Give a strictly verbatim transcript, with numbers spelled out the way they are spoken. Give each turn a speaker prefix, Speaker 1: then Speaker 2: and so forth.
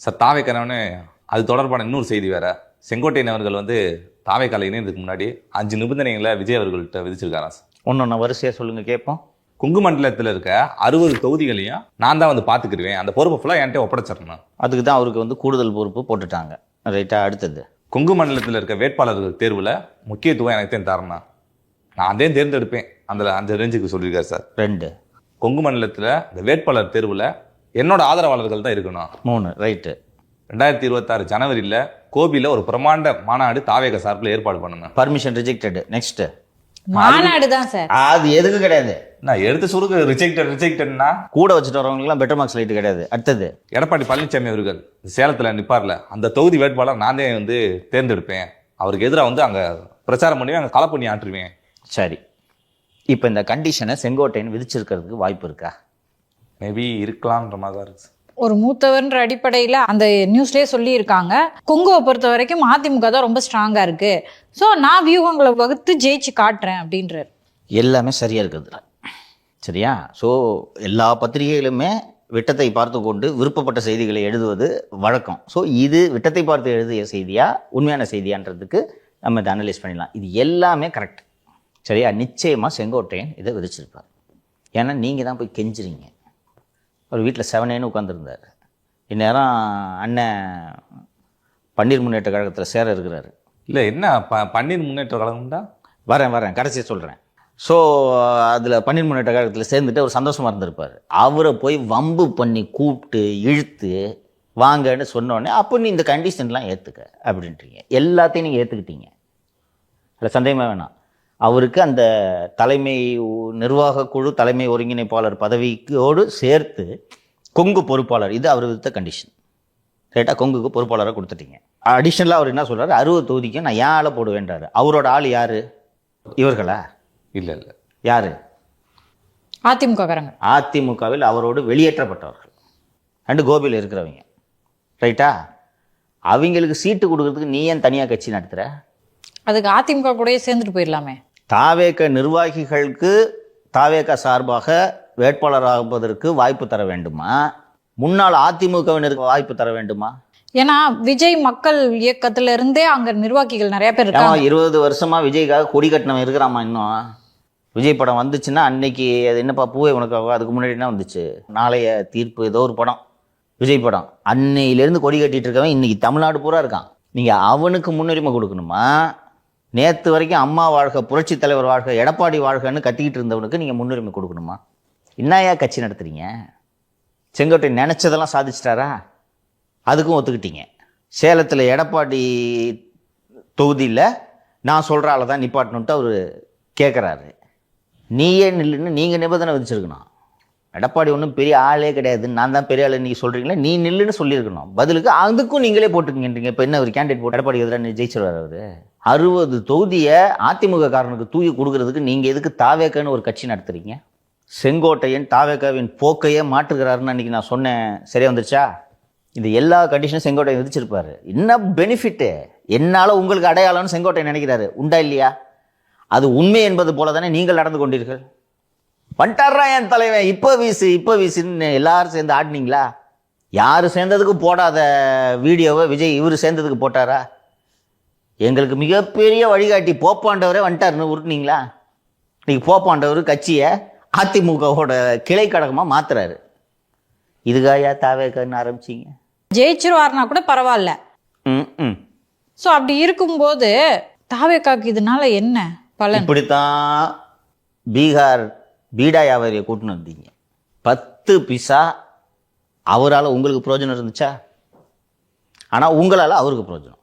Speaker 1: Sir தாவேக்கானவனே அது தொடர்பான இன்னொரு செய்தி வேற. செங்கோட்டையன் அவர்கள் வந்து தாவேக்கால இணையதுக்கு முன்னாடி அஞ்சு நிபந்தனைகளை விஜய் அவர்கள்ட்ட விதிச்சிருக்காராம் சார்.
Speaker 2: ஒன்று வரிசையாக சொல்லுங்கள் கேட்போம்.
Speaker 1: கொங்கு மண்டலத்தில் இருக்க அறுபது தொகுதிகளையும் நான் தான் வந்து பார்த்துக்கிடுவேன், அந்த பொறுப்பு ஃபுல்லாக என்கிட்ட ஒப்படைச்சிடணும்.
Speaker 2: அதுக்கு தான் அவருக்கு வந்து கூடுதல் பொறுப்பு போட்டுட்டாங்க. ரைட்டா? அடுத்தது,
Speaker 1: கொங்கு மண்டலத்தில் இருக்க வேட்பாளர்கள் தேர்வில் முக்கியத்துவம் எனக்கு தான் தரணும், நான் அதே தேர்ந்தெடுப்பேன், அந்த அந்த ரேஞ்சுக்கு சொல்லியிருக்காரு சார்.
Speaker 2: ரெண்டு,
Speaker 1: கொங்கு மண்டலத்தில் இந்த வேட்பாளர் தேர்வில் என்னோட ஆதரவாளர்கள் தான் இருக்கணும்.
Speaker 2: மூணு, ரைட்டு.
Speaker 1: ரெண்டாயிரத்தி இருபத்தாறு ஜனவரியில் கோபியில் ஒரு பிரமாண்ட மாநாடு தாவேக சார்பில் ஏற்பாடு பண்ணுங்க.
Speaker 2: Permission rejected. நெக்ஸ்ட்,
Speaker 3: மாநாடு தான் சார்.
Speaker 2: அது எதுக்கு கிடையாது.
Speaker 1: நான் எடுத்து சுருக்கு ரிஜெக்டட் ரிஜெக்டட்னா
Speaker 2: கூட வச்சுட்டு வரவங்களுக்குலாம் பெட்டர் மார்க்ஸ் லைட் கிடையாது. அடுத்தது,
Speaker 1: எடப்பாடி பழனிசாமி அவர்கள் சேலத்தில் நிற்பார்ல, அந்த தொகுதி வேட்பாளர் நான் தான் வந்து தேர்ந்தெடுப்பேன், அவருக்கு எதிராக வந்து அங்கே பிரச்சாரம் பண்ணி அங்கே களை பண்ணி ஆற்றுவேன்.
Speaker 2: சரி, இப்போ இந்த கண்டிஷனை செங்கோட்டையன் விதிச்சிருக்கிறதுக்கு வாய்ப்பு இருக்கா?
Speaker 1: மேபி இருக்கலாம்ன்ற மாதிரி தான் இருக்கு.
Speaker 3: ஒரு மூத்தவர்ன்ற அடிப்படையில் அந்த நியூஸ்லேயே சொல்லியிருக்காங்க, கொங்குவை பொறுத்த வரைக்கும் அதிமுக தான் ரொம்ப ஸ்ட்ராங்காக இருக்குது, ஸோ நான் வியூகங்களை வகுத்து ஜெயிச்சு காட்டுறேன் அப்படின்றார்.
Speaker 2: எல்லாமே சரியாக இருக்குதுல, சரியா? ஸோ எல்லா பத்திரிகைகளுமே விட்டத்தை பார்த்து கொண்டு விருப்பப்பட்ட செய்திகளை எழுதுவது வழக்கம். ஸோ இது விட்டத்தை பார்த்து எழுதிய செய்தியா உண்மையான செய்தியான்றதுக்கு நம்ம இதை அனலைஸ் பண்ணிடலாம். இது எல்லாமே கரெக்ட், சரியா? நிச்சயமாக செங்கோட்டையன் இதை விதிச்சிருப்பார். ஏன்னா நீங்கள் தான் போய் கெஞ்சுறீங்க. அவர் வீட்டில் செவனேன்னு உட்காந்துருந்தார். இந்நேரம் அண்ணன் பன்னீர் முன்னேற்ற கழகத்தில் சேர இருக்கிறாரு.
Speaker 1: இல்லை என்ன ப பன்னீர் முன்னேற்ற கழகம் தான்
Speaker 2: வரேன் வரேன் கடைசியாக சொல்கிறேன். ஸோ அதில் பன்னீர் முன்னேற்ற கழகத்தில் சேர்ந்துட்டு அவர் சந்தோஷமாக இருந்திருப்பார். அவரை போய் வம்பு பண்ணி கூப்பிட்டு இழுத்து வாங்கன்னு சொன்னோடனே அப்போ நீ இந்த கண்டிஷன்லாம் ஏற்றுக்க அப்படின்றீங்க. எல்லாத்தையும் நீங்கள் ஏற்றுக்கிட்டீங்க, அதில் சந்தேகமே வேணாம். அவருக்கு அந்த தலைமை நிர்வாக குழு தலைமை ஒருங்கிணைப்பாளர் பதவிக்கோடு சேர்த்து கொங்கு பொறுப்பாளர், இது அவர் விதித்த கண்டிஷன். ரைட்டாக? கொங்குக்கு பொறுப்பாளராக கொடுத்துட்டீங்க. அடிஷ்னலாக அவர் என்ன சொல்கிறார், அறுபது தொகுதிக்கு நான் ஏன் ஆளை போடுவேன்றாரு. அவரோட ஆள் யார்? இவர்களா?
Speaker 1: இல்லை இல்லை,
Speaker 2: யார்?
Speaker 3: அதிமுக காரங்க.
Speaker 2: அதிமுகவில் அவரோடு வெளியேற்றப்பட்டவர்கள் அண்டு கோபியில் இருக்கிறவங்க. ரைட்டா? அவங்களுக்கு சீட்டு கொடுக்கறதுக்கு நீ ஏன் தனியாக கட்சி நடத்துகிற?
Speaker 3: அதுக்கு அதிமுக கூடயே சேர்ந்துட்டு போயிடலாமே.
Speaker 2: தாவேக நிர்வாகிகளுக்கு தாவேக சார்பாக வேட்பாளராகுவதற்கு வாய்ப்பு தர வேண்டுமா? முன்னாள் அதிமுகவினருக்கு வாய்ப்பு தர வேண்டுமா?
Speaker 3: ஏன்னா விஜய் மக்கள் இயக்கத்துல இருந்தே அங்க நிர்வாகிகள் நிறைய பேர் இருக்காங்க.
Speaker 2: இருபது வருஷமா விஜய்க்காக கொடி கட்டினவன் இருக்கிறாமா இன்னும்? விஜய் படம் வந்துச்சுன்னா அன்னைக்கு அது என்னப்பா பூவே உனக்காக, அதுக்கு முன்னாடி என்ன வந்துச்சு, நாளைய தீர்ப்பு, ஏதோ ஒரு படம் விஜய் படம், அன்னையிலேருந்து கொடி கட்டிட்டு இருக்கவன் இன்னைக்கு தமிழ்நாடு பூரா இருக்கான். நீங்கள் அவனுக்கு முன்னுரிமை கொடுக்கணுமா? நேற்று வரைக்கும் அம்மா வாழ்க, புரட்சி தலைவர் வாழ்க, எடப்பாடி வாழ்கன்னு கத்திக்கிட்டு இருந்தவனுக்கு நீங்கள் முன்னுரிமை கொடுக்கணுமா? என்னையா கட்சி நடத்துறீங்க? செங்கோட்டை நினச்சதெல்லாம் சாதிச்சிட்டாரா? அதுக்கும் ஒத்துக்கிட்டீங்க. சேலத்தில் எடப்பாடி தொகுதியில் நான் சொல்கிற ஆளை தான் நிப்பாட்டணுன்ட்டு அவர் கேட்குறாரு. நீயே நில்லுன்னு நீங்கள் நிபந்தனை விதிச்சிருக்கணும். எடப்பாடி ஒன்றும் பெரிய ஆளே கிடையாது, நான் தான் பெரிய ஆள் நீங்கள் சொல்கிறீங்களே, நீ நில்லுன்னு சொல்லியிருக்கணும். பதிலுக்கு அதுக்கும் நீங்களே போட்டுக்கின்றீங்க. இப்போ என்ன ஒரு கேண்டிடேட் போட்டு எடப்பாடி எதிராக ஜெயிச்சிருவார் அவர்? அறுபது தொகுதியை அதிமுக காரனுக்கு தூக்கி கொடுக்கறதுக்கு நீங்கள் எதுக்கு தாவேக்கன்னு ஒரு கட்சி நடத்துறீங்க? செங்கோட்டையன் தாவேக்காவின் போக்கையே மாற்றுகிறாருன்னு அன்றைக்கி நான் சொன்னேன், சரியா வந்துருச்சா? இது எல்லா கண்டிஷனும் செங்கோட்டையன் விதிச்சிருப்பாரு. என்ன பெனிஃபிட்டு? என்னால் உங்களுக்கு அடையாளம்னு செங்கோட்டையன் நினைக்கிறாரு. உண்டா இல்லையா? அது உண்மை என்பது போல தானே நீங்கள் நடந்து கொண்டீர்கள். பண்ணிட்டாரா என் தலைவன், இப்போ வீசு இப்போ வீசுன்னு எல்லாரும் சேர்ந்து ஆடினீங்களா? யார் சேர்ந்ததுக்கு போடாத வீடியோவை விஜய் இவர் சேர்ந்ததுக்கு போட்டாரா? எங்களுக்கு மிகப்பெரிய வழிகாட்டி போப்பாண்டவரே வந்துட்டாருன்னு உருட்டினீங்களா? இன்னைக்கு போப்பாண்டவர் கட்சியை அதிமுகவோட கிளை கழகமாக மாத்துறாரு. இதுக்காயா தாவேக்கன்னு ஆரம்பிச்சிங்க?
Speaker 3: ஜெயிச்சிருவார்னா கூட பரவாயில்ல.
Speaker 2: ம் ம்
Speaker 3: ஸோ அப்படி இருக்கும்போது தாவேக்காக்கு இதனால என்ன பலன்?
Speaker 2: இப்படித்தான் பீகார் பீடா வியாபாரியை கூட்டின்னு வந்தீங்க. பத்து பிசா அவரால் உங்களுக்கு பிரயோஜனம் இருந்துச்சா? ஆனால் உங்களால் அவருக்கு பிரயோஜனம்.